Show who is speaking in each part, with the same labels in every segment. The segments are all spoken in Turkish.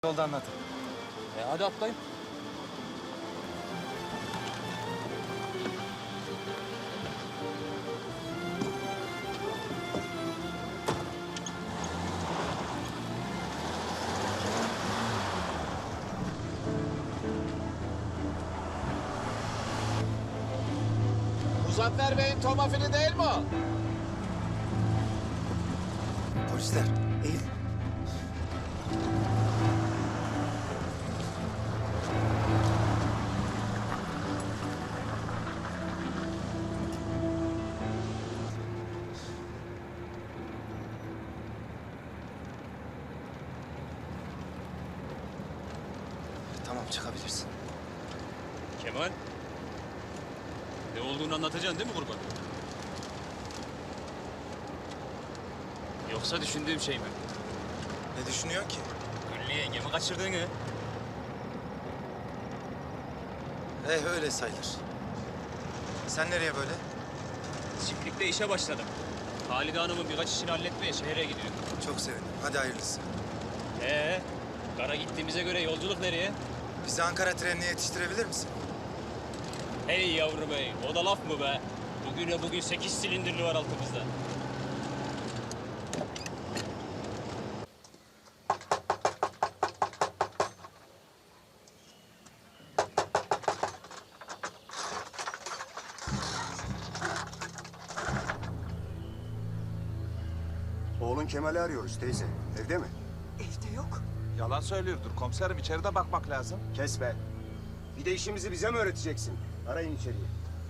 Speaker 1: Yolda anlatın.
Speaker 2: Hadi atlayın.
Speaker 3: Muzaffer Bey'in tomafili değil mi o?
Speaker 1: Polisler, eğil. Tamam, çıkabilirsin.
Speaker 2: Kemal. Ne olduğunu anlatacaksın değil mi kurban? Yoksa düşündüğüm şey mi?
Speaker 1: Ne düşünüyorsun ki?
Speaker 2: Güllü yengemi kaçırdığını.
Speaker 1: Öyle sayılır. Sen nereye böyle?
Speaker 2: Çiftlikte işe başladım. Halide Hanım'ın birkaç işini halletmeye şehre gidiyorum.
Speaker 1: Çok sevindim. Hadi hayırlısı.
Speaker 2: Kara gittiğimize göre yolculuk nereye?
Speaker 1: Bizi Ankara trenine yetiştirebilir misin?
Speaker 2: Hey yavrum hey, o da laf mı be? Bugün 8 silindirli var altımızda.
Speaker 4: Oğlun Kemal'i arıyoruz teyze. Evde mi?
Speaker 5: Evde yok.
Speaker 3: Yalan söylüyordur komiserim. İçeride bakmak lazım.
Speaker 4: Kes be. Bir de işimizi bize mi öğreteceksin? Arayın içeriye.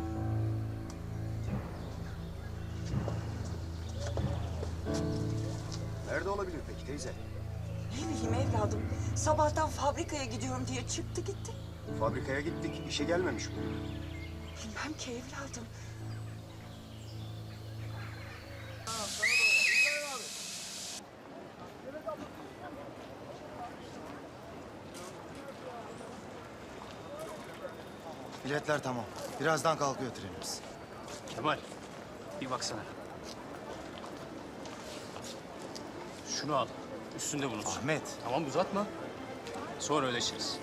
Speaker 4: Nerede olabilir peki teyze?
Speaker 5: Ne bileyim evladım. Sabahtan fabrikaya gidiyorum diye çıktı gitti.
Speaker 4: Fabrikaya gittik. İşe gelmemiş bu.
Speaker 5: Bilmem ki evladım.
Speaker 1: Biletler tamam. Birazdan kalkıyor trenimiz.
Speaker 2: Kemal, bir baksana. Şunu al, üstünde bulunsun.
Speaker 1: Ahmet.
Speaker 2: Tamam uzatma. Sonra ödeşiriz.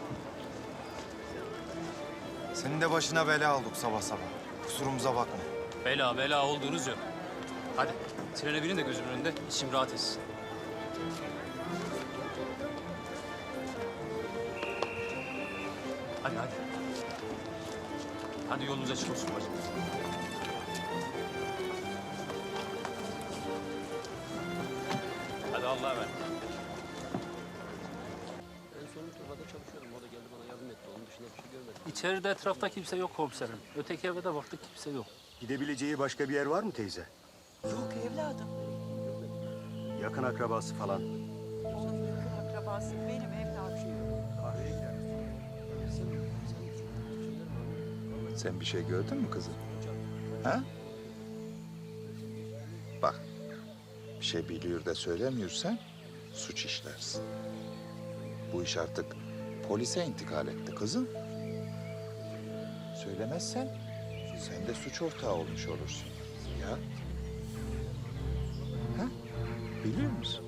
Speaker 1: Senin de başına bela olduk sabah sabah. Kusurumuza bakma.
Speaker 2: Bela olduğunuz yok. Hadi, trene binin de gözümün önünde, içim rahat etsin. Hadi. Hadi yolunuz açık olsun bacım. Hadi Allah'a emanet.
Speaker 6: En son Turna'da çalışıyordum. O da geldi bana yardım etti. Onun dışında bir şey görmedim.
Speaker 7: İçeride etrafta kimse yok komiserim. Öteki eve de baktık kimse yok.
Speaker 4: Gidebileceği başka bir yer var mı teyze?
Speaker 5: Yok evladım.
Speaker 4: Yakın akrabası falan.
Speaker 5: Onun yakın akrabası benim evladım.
Speaker 4: Kahveye gider.
Speaker 3: Sen bir şey gördün mü kızım? Ha? Bak, bir şey biliyor da söylemiyorsan suç işlersin. Bu iş artık polise intikal etti kızım. Söylemezsen sen de suç ortağı olmuş olursun. Ya? Ha? Biliyor musun?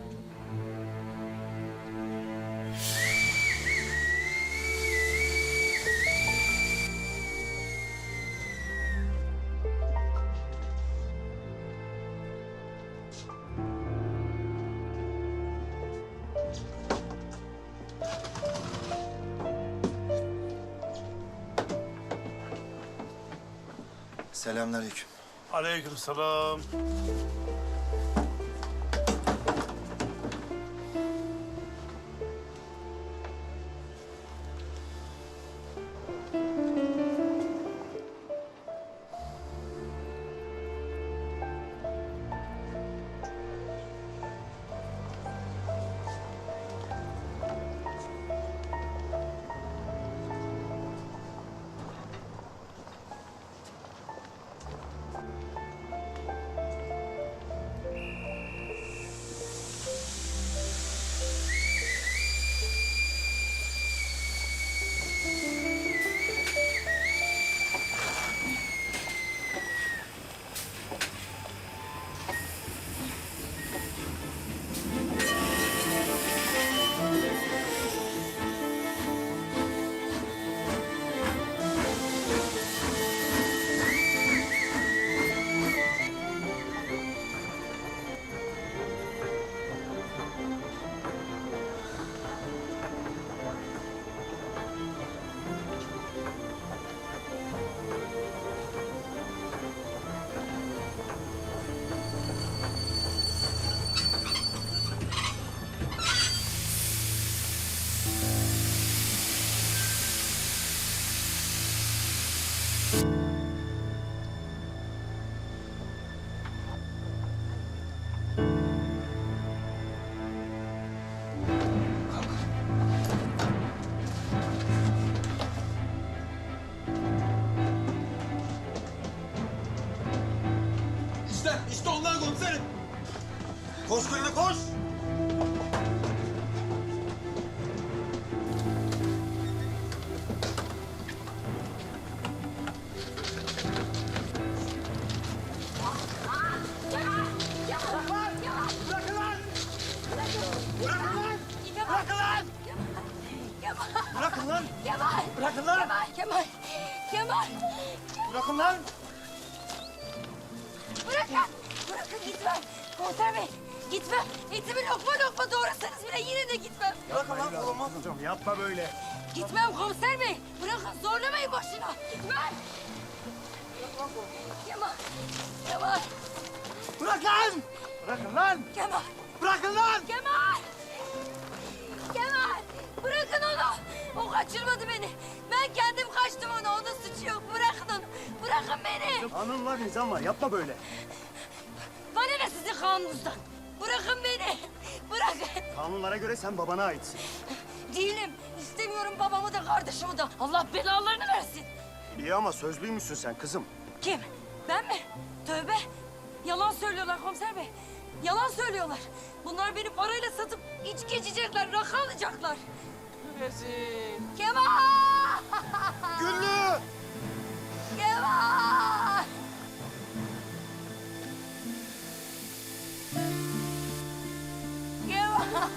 Speaker 1: Selamünaleyküm.
Speaker 8: Aleykümselam.
Speaker 4: Koş Güllü koş! Bırakın lan!
Speaker 9: Kemal!
Speaker 4: Bırakın lan!
Speaker 9: Kemal! Kemal!
Speaker 4: Bırakın lan!
Speaker 9: Bırakın! Bırakın gitmem! Komiser Bey! Gitmem! Etimi lokma lokma doğrasanız bile yine de gitmem!
Speaker 4: Bırakın lan kolumu. Hocam yapma böyle.
Speaker 9: Gitmem komiser bey! Bırakın zorlamayın boşuna! Gitmem! Kemal! Kemal!
Speaker 4: Bırak lan! Bırakın lan!
Speaker 9: Kemal!
Speaker 4: Bırakın lan!
Speaker 9: Kemal! Kemal! Bırakın onu! O kaçırmadı beni. Ben kendim kaçtım ona. Onun suçu yok. Bırakın onu. Bırakın beni.
Speaker 4: Kanun var, nizam var. Yapma böyle.
Speaker 9: Bana ne sizin kanununuzdan? Bırakın beni. Bırakın.
Speaker 4: Kanunlara göre sen babana aitsin.
Speaker 9: Değilim. İstemiyorum babamı da kardeşimi de. Allah belalarını versin.
Speaker 4: İyi ama sözlüymüşsün sen kızım.
Speaker 9: Kim? Ben mi? Tövbe. Yalan söylüyorlar komiser bey. Yalan söylüyorlar. Bunlar beni parayla satıp içki içecekler, rakı alacaklar.
Speaker 7: Rezil.
Speaker 9: Kemal!
Speaker 4: Güllü!
Speaker 9: Kemal! Kemal!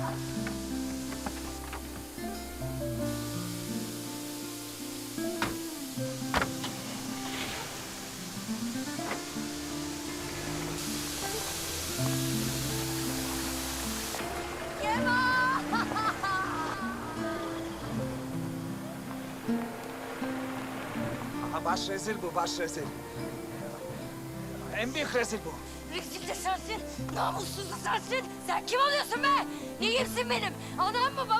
Speaker 9: Kemal!
Speaker 10: Aha, baş rezil bu, baş rezil. En büyük rezil bu.
Speaker 9: Rezil de sensin, namussuz da sensin. Sen kim oluyorsun be? Neyimsin benim? Anam mı, babam